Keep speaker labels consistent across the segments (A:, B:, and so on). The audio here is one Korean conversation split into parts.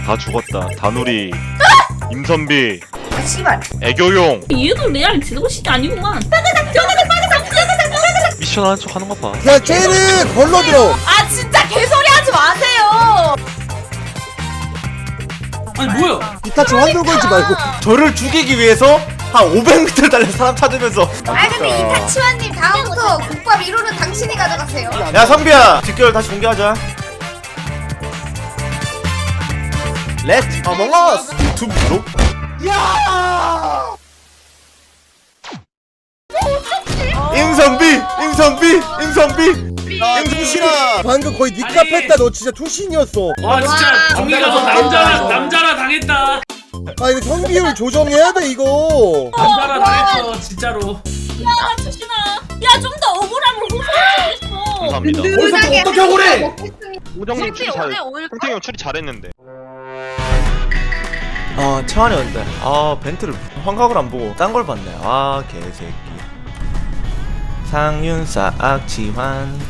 A: 다 죽었다. 다누리, 임선비,
B: 아 씨발.
A: 애교용.
C: 얘도 레알 지도시이 아니구만.
A: 미션 하는 척 하는 거 봐.
D: 야 쟤는 걸러들어.
B: 아 진짜 개소리 하지 마세요.
E: 아니 뭐야?
D: 이타치 환불 걸지 말고.
F: 저를 죽이기 위해서 한 500m 달려 사람 찾으면서.
B: 아 근데 이타치와님 다음부터 국밥 1호는 당신이 가져가세요.
F: 야 선비야, 뒷결 다시 공개하자. 렛츠 어몽어스 유튜브로. 야! 임선비.
D: 야 투신아 방금 거의 니값 했다. 너 진짜 투신이었어.
E: 와 진짜 종이가 너 남자라 당했다.
D: 아 이거 성비율 조정해야 돼 이거.
E: 남자라 당했어 진짜로.
C: 야 추신아. 야 좀 더 억울함을 호소했어.
A: 감사합니다.
B: 든든하게
E: 어떻게 억울해?
A: 우정님 추리 잘, 탱탱이 형 추리 잘했는데.
F: 아 채환이 왔는데. 아 벤트를 환각을 안 보고 딴 걸 봤네. 아 개새끼. 상윤사 악치환.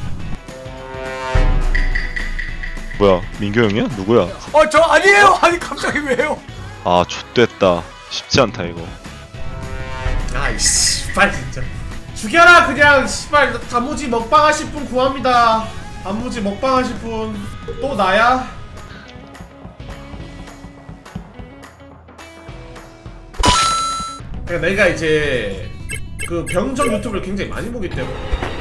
A: 뭐야, 민규 형이야? 누구야?
F: 저 아니에요. 아니 갑자기 왜요?
A: 아, 좆됐다. 쉽지 않다 이거.
G: 아이 씨발 진짜 죽여라 그냥. 씨발 단무지 먹방 하실 분 구합니다. 단무지 먹방 하실 분. 또 나야? 그러니까 내가 이제 그 병정 유튜브를 굉장히 많이 보기 때문에.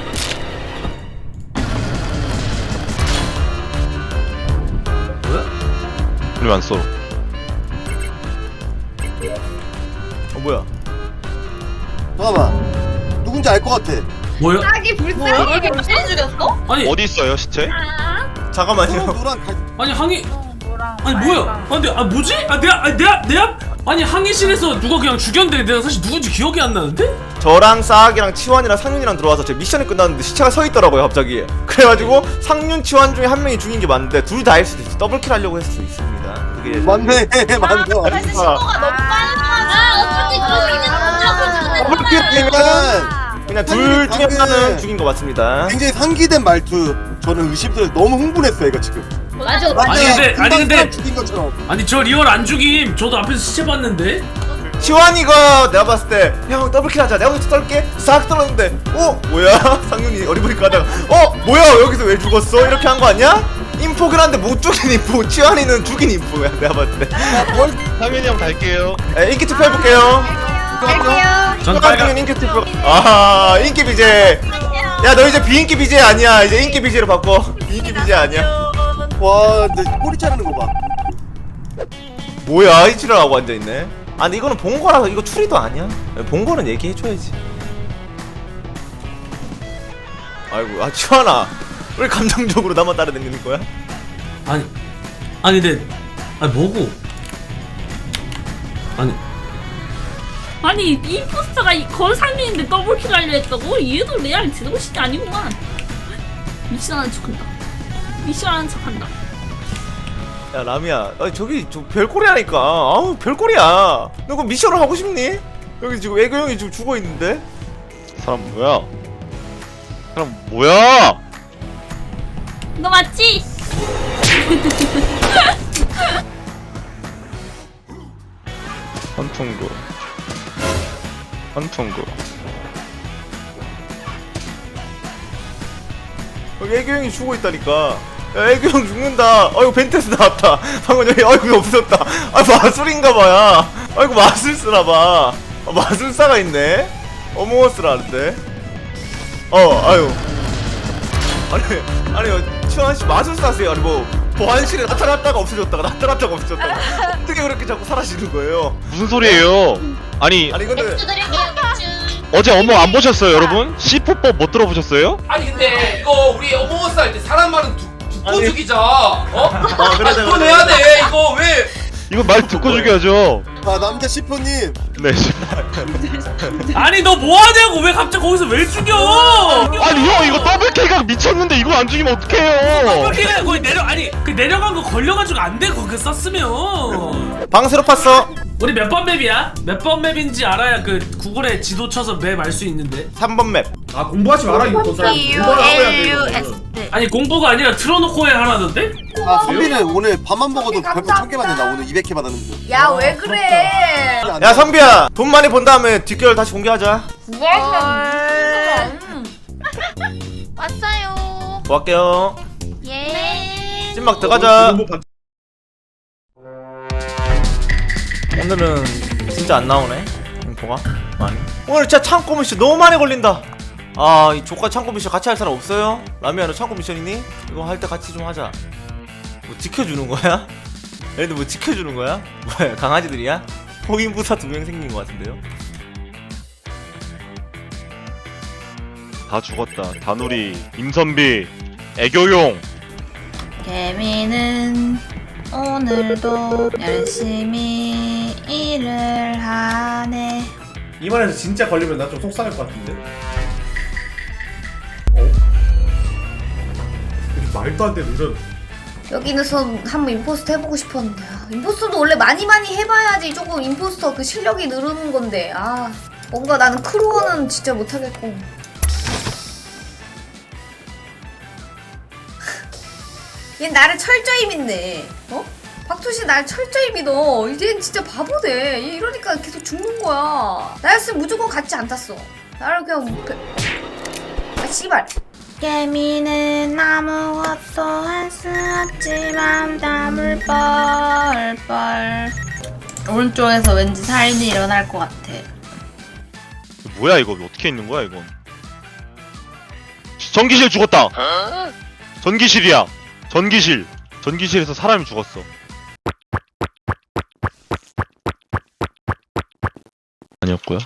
A: 우리 안 써.
F: 뭐야?
D: 잠깐만 누군지 알 것 같아.
E: 뭐야?
B: 짝이 불쌍해. 이게 무슨 죽였어?
E: 아니
A: 어디 있어요 시체?
F: 잠깐만요.
D: 너랑
E: 아니 항의. 아니 뭐야? 근데 뭐지? 내가 아니 항의실에서 누가 그냥 죽였는데 내가 사실 누군지 기억이 안 나는데?
F: 저랑 싸악이랑 치환이랑 상윤이랑 들어와서 제 미션이 끝났는데 시체가 서 있더라고요 갑자기. 그래가지고 상윤 치환 중에 한 명이 죽인 게 맞는데 둘 다일 수도 있어. 더블킬 하려고 했을 수 있습니다. 그게
D: 맞네 맞네.
B: 사실 신고가 너무
C: 어떻게 그렇게
F: 더블킬 되면 그냥 둘 중에
D: 방금
F: 하나는 죽인 거 맞습니다.
D: 굉장히 상기된 말투. 저는 의심스러워. 너무 흥분했어 얘가 지금.
C: 맞아.
E: 아니, 근데-
D: 사람 죽인 것처럼.
E: 아니 저 리얼 안 죽임. 저도 앞에서 시체 봤는데.
F: 치환이가 내가 봤을 때 형 더블킬 하자. 내가 먼저 떨게 싹 떨었는데 뭐야? 상윤이 어리버리까 하다가 뭐야 여기서 왜 죽었어? 이렇게 한 거 아니야? 인포긴 한데 못 죽인 인포. 치환이는 죽인 인포야 내가 봤을 때.
A: 상현이 형 갈게요.
F: 인기 투표 해볼게요.
B: 갈게요.
E: 전
F: 빨간
E: 빨간.
F: 인기 투표. 아하 인기 BJ. 야 너 이제 비인기 BJ 아니야. 이제 인기 BJ로 바꿔. 비인기 BJ 아니야.
D: 와 근데 꼬리 자르는 거 봐.
F: 뭐야 이치를 하고 앉아있네. 아 근데 이거는 본 거라서 이거 추리도 아니야. 본 거는 얘기해줘야지. 아이고 치환아 왜 감정적으로 나만 따라다니는 거야?
E: 아니 근데 뭐고?
C: 아니 임포스터가 건 상민인데 더블킬 하려 했다고? 얘도 레알 지도시이 아니구만. 미션하는 척한다. 미션하는 척한다.
F: 야 라미야 저기 저 별꼴이라니까. 아우 별꼴이야. 너 그럼 미션을 하고 싶니? 여기 지금 애교 형이 지금 죽어있는데.
A: 사람 뭐야? 사람 뭐야?
C: 너 맞지?
A: 한풍구.
F: 여기 애교 형이 죽어있다니까. 야 애교 형 죽는다. 아이고 벤테스 나왔다. 방금 여기 아이고 없었다. 마술인가봐야. 아이고 마술사라봐. 마술사가 있네. 어몽어스라는데. 아유. 아니 치환씨 마술사세요. 아니 뭐 보안실에 나타났다가 없어졌다가 나타났다가 없어졌다가 어떻게 그렇게 자꾸 사라지는 거예요?
A: 무슨 소리예요? 아니
F: 근데
A: 어제 어머 안 보셨어요 여러분? C4법 못 들어보셨어요?
H: 아니 근데 이거 우리 어몽어스 할 때 사람 말은 듣고 죽이자.
F: 그래,
H: 그거 내야 돼. 이거 왜?
A: 이거 말 듣고 죽여야죠.
D: 아 남자 시포님.
A: 네.
E: 아니 너 뭐하냐고 왜 갑자기 거기서 왜 죽여?
A: 아니 형 이거 더블 K가 미쳤는데 이거 안 죽이면 어떡해요?
E: 거기 거기 그 내려간 거 걸려가지고 안 돼. 그거 썼으면.
F: 방새로 팠어.
E: 우리 몇 번 맵이야? 몇 번 맵인지 알아야 그 구글에 지도 쳐서 맵 알 수 있는데.
F: 3번 맵.
G: 아 공부하지 마라 이거 사람. 공부를 하고 해야 돼. 이거는.
E: 아니 공부가 아니라 틀어놓고 해 하라던데?
D: 아 선비는 오늘 밥만 먹어도 별풍
B: 감사합니다.
D: 1000개 받는다. 오늘 200개 받았는데.
B: 야 왜 그래?
F: 야 선비야 돈 많이 번 다음에 뒷결 다시 공개하자.
C: 왔어요.
F: 고할게요.
C: 예.
F: 찐막 들어가자.
G: 공부 받-
F: 오늘은 진짜 안 나오네 인포가 많이. 오늘 진짜 창고 미션 너무 많이 걸린다. 아 이 조카 창고 미션 같이 할 사람 없어요? 라미야 너 창고 미션 있니? 이거 할 때 같이 좀 하자. 뭐 지켜주는 거야? 얘들 뭐 지켜주는 거야? 뭐야 강아지들이야? 호인부사 2명 생긴 거 같은데요?
A: 다 죽었다. 다누리, 임선비, 애교용.
B: 개미는 오늘도 열심히 일을 하네.
G: 이 말에서 진짜 걸리면 나 좀 속상할 것 같은데. 이렇게 말도 안 되는 이런.
B: 여기서 한번 임포스터 해보고 싶었는데 임포스터도 원래 많이 해봐야지 조금 임포스터 그 실력이 늘는 건데 아 뭔가 나는 크루어는 진짜 못하겠고 얘 나를 철저히 믿네 어? 박투씨 날 철저히 믿어 이젠 진짜 바보돼 얘 이러니까 계속 죽는 거야 나였으면 무조건 같이 안 탔어 나를 그냥 아 씨발 개미는 아무것도 할 수 없지만 땀을 뻘뻘 오른쪽에서 왠지 살인이 일어날 것 같아
A: 뭐야 이거 어떻게 있는 거야 이건? 전기실 죽었다. 전기실이야. 전기실. 전기실에서 사람이 죽었어. 아니었고요.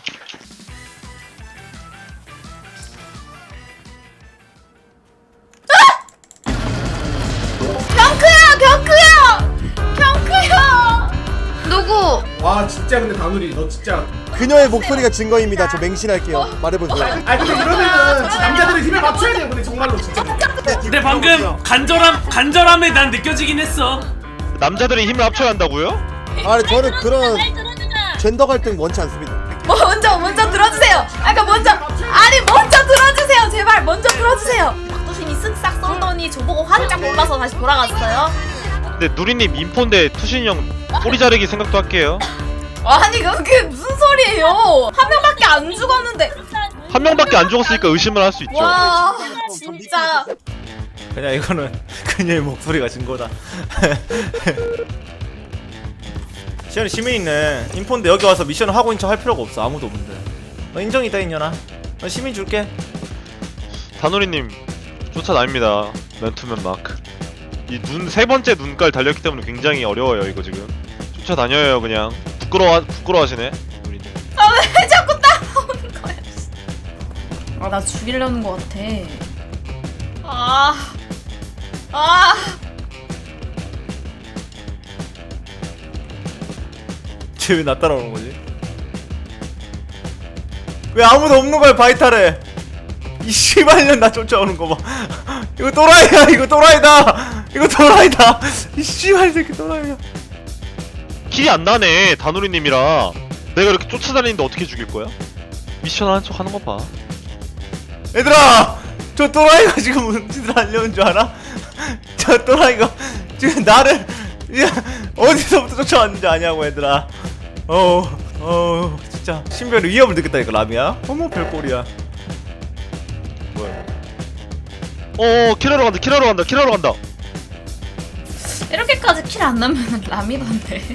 B: 경크야 누구?
G: 와 진짜 근데 다누리 너 진짜.
D: 그녀의 목소리가 증거입니다. 저 맹신할게요. 말해보세요.
G: 아 근데 이러면은 남자들이 힘을 맞춰야 돼요. 근데 정말로 진짜.
E: 근데 방금 간절함에 난 느껴지긴 했어.
A: 남자들이 힘을 합쳐야 한다고요?
D: 아니 저는 그런
C: 잘 들어주자.
D: 젠더 갈등 원치 않습니다.
B: 먼저 들어주세요 아까 먼저 들어주세요 제발 먼저 들어주세요 박도신이 쓱싹 썰더니 저보고 화들짝 놀라서 다시 돌아갔어요
A: 근데 누리님 인포인데 투신이 형 꼬리 자르기 생각도 할게요.
B: 아니 그게 무슨 소리예요 한 명밖에 안 죽었는데
A: 한 명밖에 안 죽었으니까 의심을 할 수 있죠.
B: 와 진짜
F: 그냥 이거는 그녀의 목소리가 증거다. 시현이 시민이네. 인포인데 여기 와서 미션을 하고 있는 척 할 필요가 없어. 아무도 없는데. 너 인정이다 인연아. 너 시민 줄게.
A: 다누리님 쫓아다닙니다. 맨투맨 마크. 이 눈 세 번째 눈깔 달렸기 때문에 굉장히 어려워요 이거 지금. 쫓아다녀요 그냥. 부끄러워하시네. 누리님.
B: 왜 자꾸 따라오는 거야 아 나 죽이려는 거 같아
F: 쟤 왜 나 따라오는 거지? 왜 아무도 없는 거야 바이탈에? 이 씨발년 나 쫓아오는 거 봐. 이거 또라이야. 이거 또라이다. 이거 또라이다. 이 씨발 새끼 또라이야.
A: 킬이 안 나네 다누리님이라. 내가 이렇게 쫓아다니는데 어떻게 죽일 거야? 미션 하는 척 하는 거 봐.
F: 얘들아, 저 또라이가 지금 무슨 짓을 하려는 줄 알아? 저 또라이가 지금 나를 어디서부터 쫓아왔는지 아냐고 얘들아. 진짜 신변의 위협을 느꼈다니까 라미야. 어머 별꼴이야.
A: 뭐야? 킬하러 간다.
B: 이렇게까지 킬 안 나면 라미던데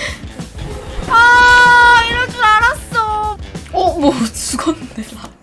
B: 이럴 줄 알았어 뭐 죽었네 라미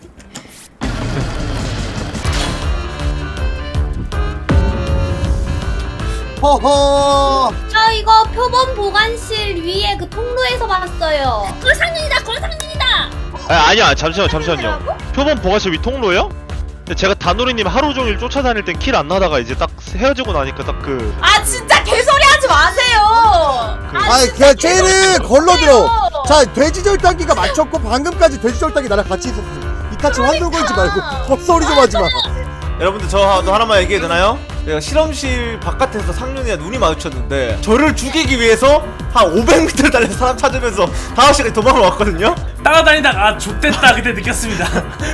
D: 허허.
C: 저 이거 표본 보관실 위에 그 통로에서 봤어요. 골상님이다.
A: 아니야 잠시만요. 표본 보관실 위 통로요? 근데 제가 다누리님 하루 종일 쫓아다닐 땐 킬 안 나다가 이제 딱 헤어지고 나니까 딱 그
B: 아 진짜 개소리 하지 마세요
D: 아이 그냥 쟤는 걸러들어. 자 돼지절단기가 맞췄고 방금까지 돼지절단기 나랑 같이 있었어. 이타치 환불 걸지 말고 헛소리 좀 하지 마.
F: 여러분들 저도 하나만 얘기해도 되나요? 내가 실험실 바깥에서 상윤이와 눈이 마주쳤는데 저를 죽이기 위해서 한 500m 달려서 사람 찾으면서 5시간이 도망을 왔거든요?
E: 따라다니다가 아 좆됐다 그때 느꼈습니다.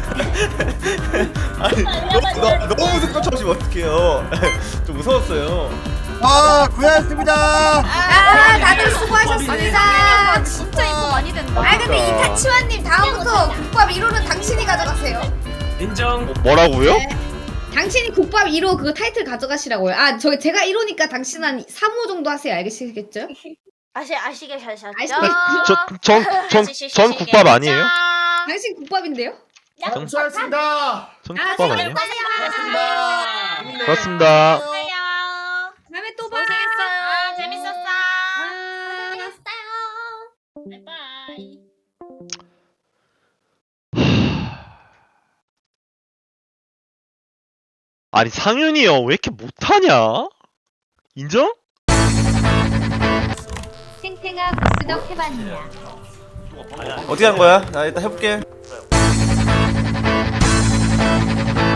F: 아니 너무 무섭게 쫓아오시면 어떡해요. 좀 무서웠어요.
D: 아 고생하셨습니다.
B: 아 다들 수고하셨습니다.
C: 진짜 이거 많이 된다.
B: 아 근데 이타치와님 다음부터 국밥 1호는 당신이 가져가세요.
E: 인정.
A: 뭐라고요?
B: 당신이 국밥 1호 그거 타이틀 가져가시라고요. 아 저기 제가 1호니까 당신 한 3호 정도 하세요. 알겠시겠죠?
C: 아시게 잘
A: 전 국밥 아니에요?
B: 당신 국밥인데요?
G: 수고하셨습니다.
A: 전
B: 아
A: 국밥 아니에요?
G: 수고하셨습니다.
A: 그렇습니다.
B: 다음에 또 봐.
C: 재밌었어. 바이바이.
A: 아니 상윤이 형 왜 이렇게 못하냐? 인정?
C: 탱탱아 구스덕 해봤냐?
F: 어떻게 한 거야? 나 일단 해볼게.